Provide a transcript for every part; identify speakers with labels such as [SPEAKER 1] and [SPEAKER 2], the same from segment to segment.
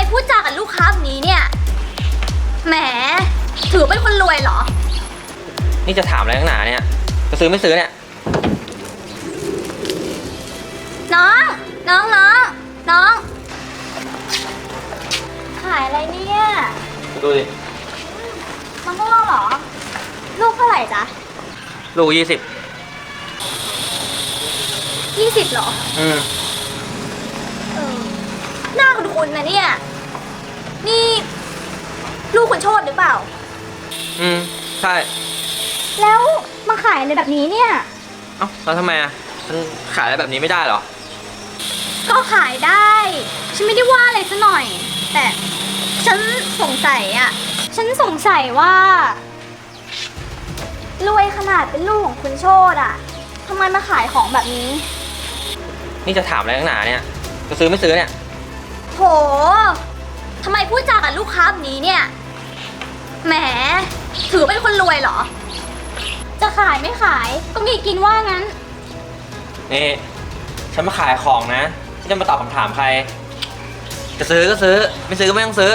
[SPEAKER 1] พูดจากับลูกค้าแบบนี้เนี่ยแหมถือเป็นคนรวยเหรอ
[SPEAKER 2] นี่จะถามอะไรข้างหนาเนี่ยจะซื้อไม่ซื้อเนี่ย
[SPEAKER 1] น้องขายอะไรเนี่ย
[SPEAKER 2] ดูดิ
[SPEAKER 1] มะม่วงเหรอลูกเท่าไหร่จ๊ะ
[SPEAKER 2] ลูก20
[SPEAKER 1] เหรอเออหน้าคุณนะเนี่ยนี่ลูกคุณโชติหรือเปล่า
[SPEAKER 2] ใช่
[SPEAKER 1] แล้วมาขายในแบบนี้เนี่ย
[SPEAKER 2] เอ้าแล้วทำไมอ่ะฉันขายอะไรแบบนี้ไม่ได้เหรอ
[SPEAKER 1] ก็ขายได้ฉันไม่ได้ว่าอะไรซะหน่อยแต่ฉันสงสัยว่ารวยขนาดเป็นลูกของคุณโชติอ่ะทำไมมาขายของแบบนี้
[SPEAKER 2] นี่จะถามอะไรข้างหนาเนี่ยจะซื้อไม่ซื้อเนี่ย
[SPEAKER 1] โหทำไมพูดจากับลูกค้าแบบนี้เนี่ยแหมถือเป็นคนรวยเหรอจะขายไม่ขายก็มีกินว่างั้น
[SPEAKER 2] นี่ฉันมาขายของนะที่จะมาตอบคำถามใครจะซื้อก็ซื้อไม่ซื้อก็ไม่ต้องซื้อ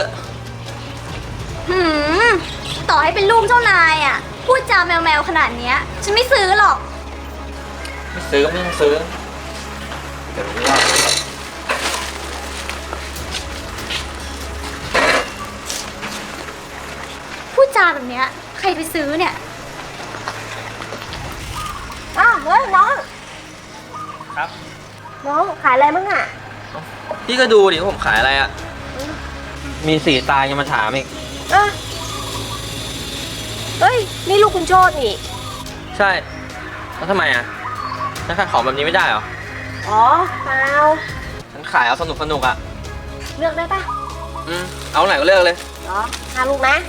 [SPEAKER 1] ต่อให้เป็นลูกเจ้านายอ่ะพูดจาแมวขนาดเนี้ยฉันไม่ซื้อหรอก
[SPEAKER 2] ไม่ซื้อก็ไม่ต้องซื้อเดี๋ยวรู้ว่า
[SPEAKER 1] พูดจาแบบเนี้ยใครไปซื้อเนี่ย
[SPEAKER 3] เฮ้ยน้อง
[SPEAKER 2] ครับ
[SPEAKER 3] น้องขายอะไรมั่งอ่ะ
[SPEAKER 2] พี่ก็ดูดิว่าผมขายอะไรอ่ะมี4 ตายังมาถามอีก
[SPEAKER 3] เฮ้ยนี่ลูกคุณโชตินี่
[SPEAKER 2] ใช่แล้วทำไมอ่ะฉันขายของแบบนี้ไม่ได้เหรอ
[SPEAKER 3] อ๋อเปล่า
[SPEAKER 2] ฉันขายเอาสนุกอ่ะ
[SPEAKER 3] เลือกได้ปะ
[SPEAKER 2] เอาไหนก็เลือกเลย
[SPEAKER 3] อ๋อ5 ลูกนะ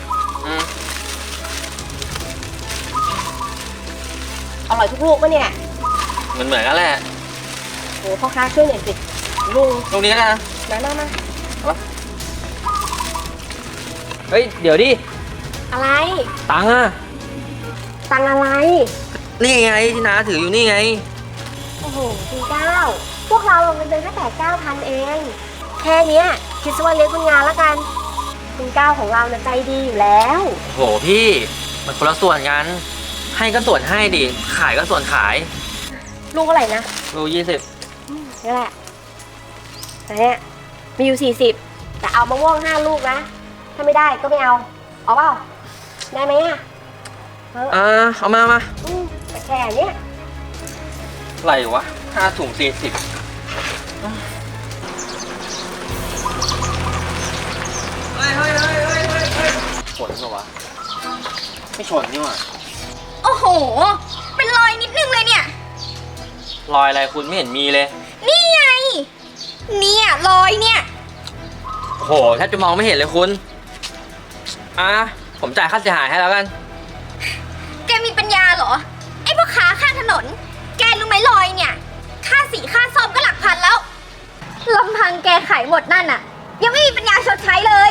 [SPEAKER 3] อร่อยทุกลูกปะเนี่ย
[SPEAKER 2] เหมือนกันแหละ
[SPEAKER 3] โอ้พ่อค้าช่วยหน่อยสิ
[SPEAKER 2] ลูกนี้นะ
[SPEAKER 3] มา
[SPEAKER 2] เฮ้ยเดี๋ยวดิ
[SPEAKER 3] อะไร
[SPEAKER 2] ตังค์อะ
[SPEAKER 3] ตังค์อะไร
[SPEAKER 2] นี่ไงที่น้าถืออยู่นี่ไง
[SPEAKER 3] โอ้โหคุณ9พวกเราเงินเดือนแค่9,000เองแค่เนี้ยคิดซะว่าเลี้ยงคุณงานละกันคุณ9ของเราเนี่ยใจดีอยู่แล้ว
[SPEAKER 2] โหพี่มันคนละส่วนกันให้ก็ส่วนให้ดิขายก็ส่วนขาย
[SPEAKER 3] ลูกเท่าไหร่นะ
[SPEAKER 2] ลูก20
[SPEAKER 3] นี่แหละแต่เนี้ยมีอยู่40แต่เอามะม่วง5 ลูกนะถ้าไม่ได้ก็ไม่เอาเปล่าได้ไหมอ่ะ
[SPEAKER 2] เอามา
[SPEAKER 3] แต่แค่เนี้ย
[SPEAKER 2] ไรวะ5 ถุง40เฮ้ยชนเหรอวะไม่ชนนี่หว่า
[SPEAKER 1] โอ้โหเป็นรอยนิดนึงเลยเนี่ย
[SPEAKER 2] รอยอะไรคุณไม่เห็นมีเลย
[SPEAKER 1] นี่ไงเนี่ยรอยเนี่ย
[SPEAKER 2] โหแทบจะมองไม่เห็นเลยคุณผมจ่ายค่าเสียหายให้แล้วกัน
[SPEAKER 1] แกมีปัญญาเหรอไอ้พ่อค้าข้างถนนแกรู้ไหมรอยเนี่ยค่าสีค่าซ่อมก็หลักพันแล้วลำพังแกขายหมดนั่นน่ะยังไม่มีปัญญาชดใช้เลย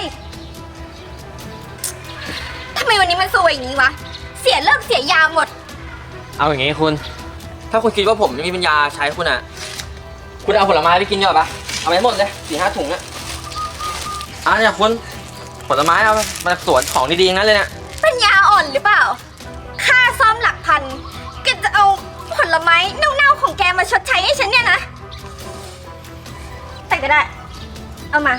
[SPEAKER 1] ทำไมวันนี้มันซวยอย่างนี้วะเสียเลิกเสียยาหมด
[SPEAKER 2] เอาอย่างงี้คุณถ้าคุณคิดว่าผมไม่มีปัญญาใช้คุณคุณเอาผลไม้ไปกินดีกว่าปะเอาไปหมดเลย4-5 ถุงเนี่ยคุณผลไม้เอามาสวนของดีๆงั้นเลยเนี่ย
[SPEAKER 1] ปัญญาอ่อนหรือเปล่าค่าซ่อมหลักพันแกจะเอาผลไม้เน่าๆของแกมาชดใช้ให้ฉันเนี่ยนะแต่ก็ได้เอามา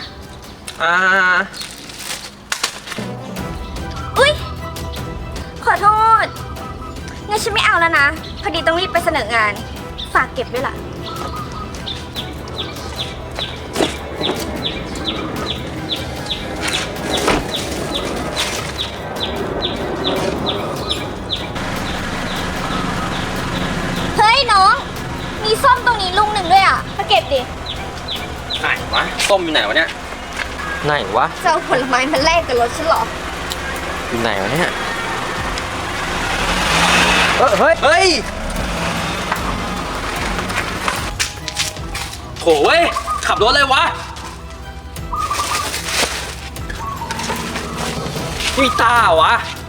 [SPEAKER 1] อุ๊ยขอโทษงั้นฉันไม่เอาแล้วนะพอดีต้องรีบไปเสนองานฝากเก็บด้วยล่ะเฮ้ยน้องมีส้มตรงนี้ลูกหนึ่งด้วยอ่ะมาเก็บดิ
[SPEAKER 2] ไหนวะส้มอยู่ไหนวะเนี่ยไหนวะ
[SPEAKER 1] จะเอาผลไม้มาแลกกับรถฉันเหรอ
[SPEAKER 2] อยู่ไหนวะเนี่ยเฮ้ยโถเว้ยขับรถเลยวะมีตาวะ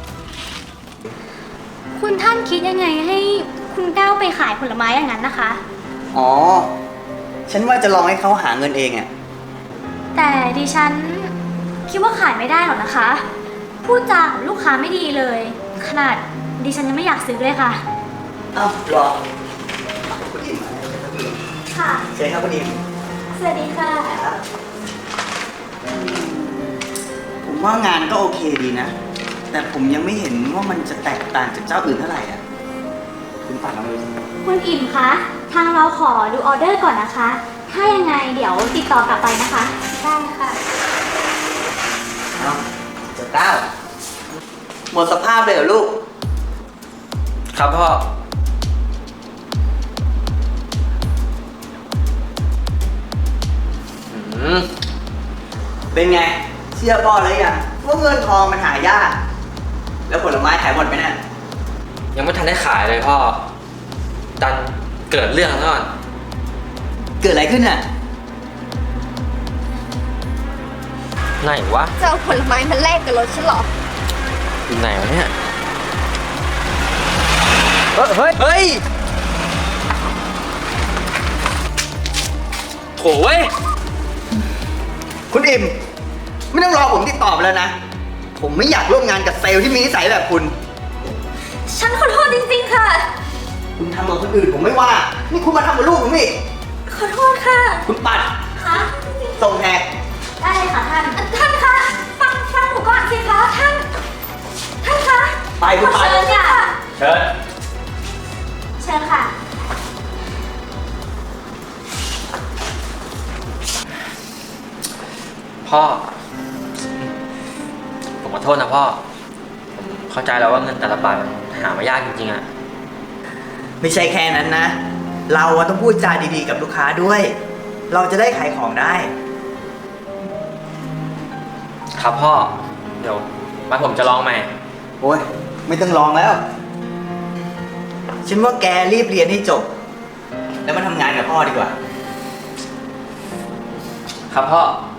[SPEAKER 1] คุณท่านคิดยังไงให้คุณก้าวไปขายผลไม้อย่างนั้นนะคะ
[SPEAKER 4] อ๋อฉันว่าจะลองให้เขาหาเงินเองอะ
[SPEAKER 1] แต่ดิฉัน
[SPEAKER 4] คิดว่าขายไม่ได้หรอกนะคะ พูดจากับลูกค้าไม่ดีเลย ขนาดดิฉันยังไม่อยากซื้อเลยค่ะ
[SPEAKER 5] อ้าวเหรอคุณอิมมาแล้วครับคุณอิม
[SPEAKER 4] ค่ะ
[SPEAKER 5] เชิญครับคุณอิม
[SPEAKER 4] สวัสดีค่ะ
[SPEAKER 5] ครับผมว่างานก็โอเคดีนะ แต่ผมยังไม่เห็นว่ามันจะแตกต่างจากเจ้าอื่นเท่าไหร่อ่ะ คุณปัดลองดูสิ
[SPEAKER 4] คุณอิ่มคะ ทางเราขอดูออเดอร์ก่อนนะคะ ถ้ายังไงเดี๋ยวติดต่อกลับไปนะคะ ได้ค่ะ
[SPEAKER 5] เอาเจ้าเต้าหมดสภาพเลยเหรอลูก
[SPEAKER 2] ครับพ่อ อืม
[SPEAKER 5] เป็นไง เชื่อพ่อเลยยังว่าเงินทองมันหายาก แล้วผลไม้ขายหมดไหมเนี่ย
[SPEAKER 2] ยังไม่ทันได้ขายเลยพ่อ ดันเกิดเรื่องแล้วก่อน
[SPEAKER 5] เกิดอะไรขึ้นอ่ะ
[SPEAKER 2] ไหนวะ
[SPEAKER 1] จะเอาผลไม้มาแลกกับรถฉันเหรอ
[SPEAKER 2] อยู่ไหนวะเนี่ย เฮ้ย เฮ้ยโถ่เว้ย
[SPEAKER 5] คุณอิมไม่ต้องรอผมติดต่อไปแล้วนะ ผมไม่อยากร่วมงานกับเซลล์ที่มีนิสัยแบบคุณ
[SPEAKER 1] ฉันขอโทษจริงๆค่ะ
[SPEAKER 5] คุณทำกับคนอื่นผมไม่ว่า นี่คุณมาทำกับลูกผมอีก
[SPEAKER 1] ขอโทษค่ะ
[SPEAKER 5] คุณปัด
[SPEAKER 4] ค่ะ
[SPEAKER 5] ส่งแขก
[SPEAKER 4] ได้เลยค่ะท่าน
[SPEAKER 1] ท่านคะ ฟังหนูก่อนสิคะ ท่านคะ
[SPEAKER 5] ไปคุณปัด
[SPEAKER 4] เชิญค่ะ
[SPEAKER 2] เชิญ
[SPEAKER 4] เชิญค่ะ
[SPEAKER 2] พ่อ ผมขอโทษนะพ่อ ผมเข้าใจแล้วว่าเงินแต่ละบาทมันหามายากจริงๆอะ
[SPEAKER 5] ไม่ใช่แค่นั้นนะ เราอะต้องพูดจาดีๆกับลูกค้าด้วย เราจะได้ขายของได้
[SPEAKER 2] ครับพ่อ เดี๋ยวมาผมจะลองใหม่
[SPEAKER 5] โอ้ย ไม่ต้องลองแล้ว ฉันว่าแกรีบเรียนให้จบ แล้วมาทำงานกับพ่อดีกว่า
[SPEAKER 2] ครับพ่อ
[SPEAKER 5] ค